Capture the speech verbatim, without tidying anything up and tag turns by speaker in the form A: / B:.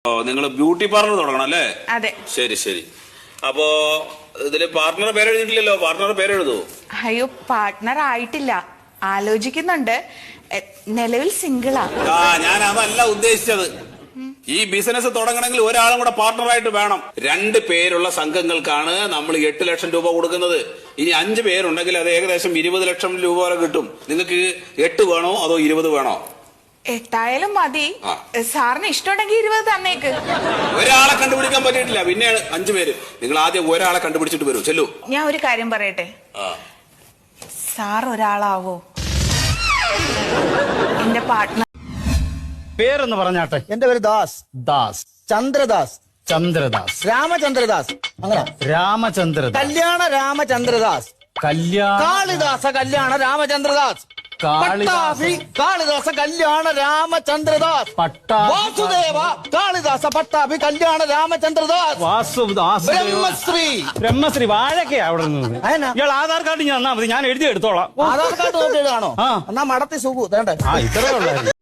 A: നിങ്ങൾ beauty parlour തുടങ്ങണം അല്ലേ?
B: അതെ.
A: ശരി ശരി. അപ്പോ ഇതില് പാർട്ട്ണർ പേരെഴുതിയിട്ടില്ലല്ലോ, പാർട്ട്ണർ പേരെഴുതൂ.
B: അയ്യോ, പാർട്ട്ണർ ആയിട്ടില്ല, ആലോചിക്കുന്നുണ്ട്. നിലവിൽ സിംഗിളാ.
A: ആ ഞാൻ അതല്ല ഉദ്ദേശിച്ചത്. ഈ ബിസിനസ് തുടങ്ങണമെങ്കിൽ ഒരാളും കൂടെ പാർട്ട്ണറായിട്ട് വേണം. രണ്ട് പേരുള്ള സംഘങ്ങൾക്കാണ് നമ്മൾ എട്ട് ലക്ഷം രൂപ കൊടുക്കുന്നത്. ഇനി അഞ്ച് പേരുണ്ടെങ്കിൽ അത് ഏകദേശം ഇരുപത് ലക്ഷം രൂപ വരെ കിട്ടും. നിങ്ങൾക്ക് എട്ട് വേണോ അതോ ഇരുപത് വേണോ?
B: എട്ടായാലും മതി. സാറിന് ഇഷ്ടമുണ്ടെങ്കിൽ ഇരുപത് തന്നേക്ക്.
A: ഒരാളെ കണ്ടുപിടിക്കാൻ പറ്റിയിട്ടില്ല, പിന്നെ അഞ്ചു പേര്. നിങ്ങൾ ആദ്യം ഒരാളെ കണ്ടുപിടിച്ചിട്ട് വരൂ. ചെല്ലു.
B: ഞാൻ ഒരു കാര്യം പറയട്ടെ, സാർ ഒരാളാവോ എന്റെ പാർട്ട്ണർ?
C: പേരൊന്ന് പറഞ്ഞാട്ടെ.
D: എന്റെ പേര് ദാസ്.
C: ദാസ്.
D: ചന്ദ്രദാസ്.
C: ചന്ദ്രദാസ്.
D: രാമചന്ദ്രദാസ്. അങ്ങനെ
C: രാമചന്ദ്രദാസ്.
D: കല്യാണ രാമചന്ദ്രദാസ്.
C: കല്യാണ
D: കാളിദാസ കല്യാണ രാമചന്ദ്രദാസ്. പട്ടാഭി കാളിദാസ കല്യാണ രാമചന്ദ്രദാസ്.
C: പട്ടാ
D: വാസുദേവ കാളിദാസ പട്ടാഭി കല്യാണ രാമചന്ദ്രദാസ്.
C: വാസുദാസ്.
D: ബ്രഹ്മശ്രീ.
C: ബ്രഹ്മശ്രീ വാഴക്കയാ അവിടെ നിന്ന്.
D: അതെന്നാ?
C: ഇയാൾ ആധാർ കാർഡ് ഞാൻ തന്നാ മതി, ഞാൻ എഴുതി എടുത്തോളാം.
D: ആധാർ കാർഡ് നോക്കി എഴുതാണോ?
C: ആ.
D: എന്നാ മടത്തി സുഖു വേണ്ടേ?
C: ആ ഇത്രേ ഉള്ളായിരുന്നു.